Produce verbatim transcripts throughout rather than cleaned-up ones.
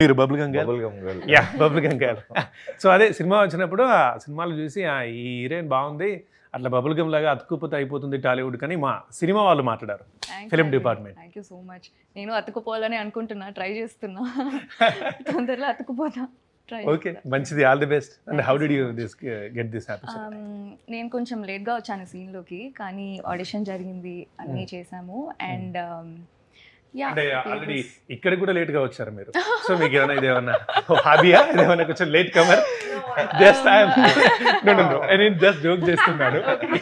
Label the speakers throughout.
Speaker 1: మీరు bubble gum girl
Speaker 2: bubble gum girl.
Speaker 1: Yeah bubble gum girl. So అదే cinema వచ్చినప్పుడు ఆ సినిమాలు చూసి ఆ, ఈ హీరోయిన్ బాగుంది, అట్లా బబుల్ గమ్ లాగా అతుక్కుపోతే అయిపోతుంది టాలీవుడ్ కానీ మా సినిమా వాళ్ళు మాట్లాడారు film department.
Speaker 3: Thank you so much. నేను అతుకుపోవాలని అనుకుంటున్నా, ట్రై చేస్తున్నా, తొందరలో అతుకుపోతా. ట్రై
Speaker 1: ఓకే మంచిది, all the best. And how did you this get this happy?
Speaker 3: నేను కొంచెం లేట్గా వచ్చాను సీన్లోకి, కానీ ఆడిషన్ జరిగింది, అన్నీ చేసాము. అండ్ యా
Speaker 1: అంటే ఆల్రెడీ ఇక్కడ కూడా లేట్ గా వచ్చారు మీరు. సో మీకు ఏమైనా ఇది ఏమన్నా హాబీయా, ఇదేమన్నా కొంచెం late comer? Just I'm no no no నేను జస్ట్ జోక్ చేస్తున్నాను.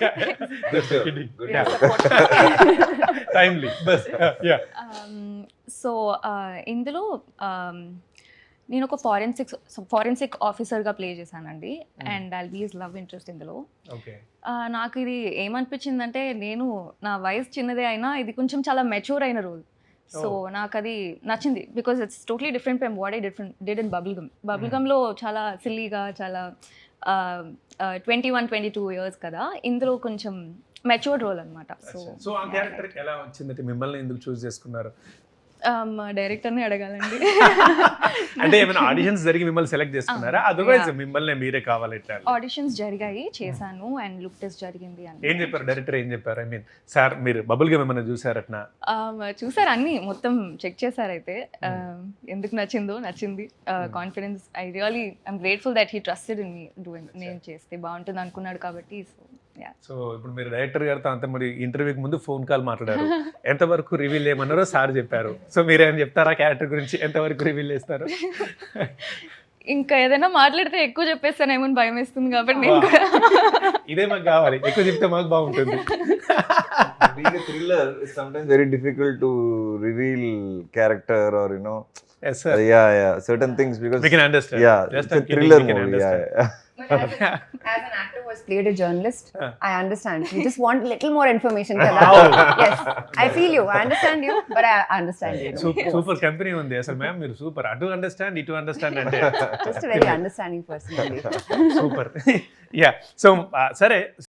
Speaker 1: Timely bus yeah.
Speaker 3: సో ఇందులో um, నేను ఒక ఫారెన్సిక్ ఫారెన్సిక్ ఆఫీసర్గా ప్లే చేశానండి. And I'll be his love interest ఇందులో.
Speaker 1: ఓకే
Speaker 3: నాకు ఇది ఏమనిపించిందంటే, నేను నా వయసు చిన్నదే అయినా ఇది కొంచెం చాలా మెచ్యూర్ అయిన రోల్. సో నాకు అది నచ్చింది, because it's totally different from what I different did in bubble gum. Bubble గమ్లో చాలా సిల్లీగా, చాలా twenty one twenty two years కదా, ఇందులో కొంచెం మెచ్యూర్డ్ రోల్ అనమాట. సో
Speaker 1: సో ఆ క్యారెక్టర్ ఎలా వచ్చిందంటే మిమ్మల్ని ఎందుకు చూస్ చేసుకున్నారు?
Speaker 3: మా డైరెక్టర్ని అడగాలండి.
Speaker 1: అంటే ఏమైనా ఆడిషన్స్ జరిగి మిమ్మల్ని సెలెక్ట్ చేసుకున్నారా? అదర్వైజ్ మిమ్మల్ని మీరే కావాలి ఇట్లా?
Speaker 3: ఆడిషన్స్ జరిగాయి, చేశాను, అండ్ లుక్ టెస్ట్ జరిగింది. అని
Speaker 1: ఏం చెప్పారు డైరెక్టర్? ఏం చెప్పారు? ఐ మీన్ సార్ మీరు బబుల్ గమ్ ఏమైనా చూసారట్నా?
Speaker 3: చూసారు, అన్ని మొత్తం చెక్ చేశారు. అయితే ఎందుకు నచ్చిందో నచ్చింది. Confidence, I really I'm grateful that he trusted in me doing. నేను చేస్తే బాగుంటుంది అనుకున్నాడు కాబట్టి. So yeah.
Speaker 1: సో ఇప్పుడు మీరు డైరెక్టర్ గారితో అంత మరి ఇంటర్వ్యూకి ముందు ఫోన్ కాల్ మాట్లాడారు, ఎంతవరకు రివీల్ చేయమన్నారో సార్ చెప్పారు. సో మీరేం చెప్తారా క్యారెక్టర్ గురించి, ఎంతవరకు రివీల్ చేస్తారు?
Speaker 3: ఇంకా ఏదైనా మాట్లాడితే ఎక్కువ చెప్పేస్తానేమో అని భయం వేస్తుంది కాబట్టి నేను కూడా
Speaker 1: ఇదే మాకు కావాలి, ఎక్కువ చెప్తే మాకు బాగుంటుంది.
Speaker 2: Being a thriller is sometimes very difficult to reveal character or you know.
Speaker 1: Yes sir.
Speaker 2: Uh, yeah, yeah, certain things because
Speaker 1: We can understand.
Speaker 2: yeah,
Speaker 1: Just
Speaker 2: it's
Speaker 1: I'm
Speaker 2: a
Speaker 1: kidding,
Speaker 2: thriller
Speaker 1: we can
Speaker 2: movie. Yeah,
Speaker 1: understand.
Speaker 2: yeah.
Speaker 4: But as, a, as an actor who has played a journalist,
Speaker 1: Uh.
Speaker 4: I understand. You just want little more information. Kada.
Speaker 1: Wow.
Speaker 4: Yes, I feel you. I understand you, but I understand you.
Speaker 1: Super company ఉంది అసలు ma'am, మీరు super. అటు understand ఇటు understand అంటే
Speaker 4: Just a very understanding person.
Speaker 1: Super. Yeah so సరే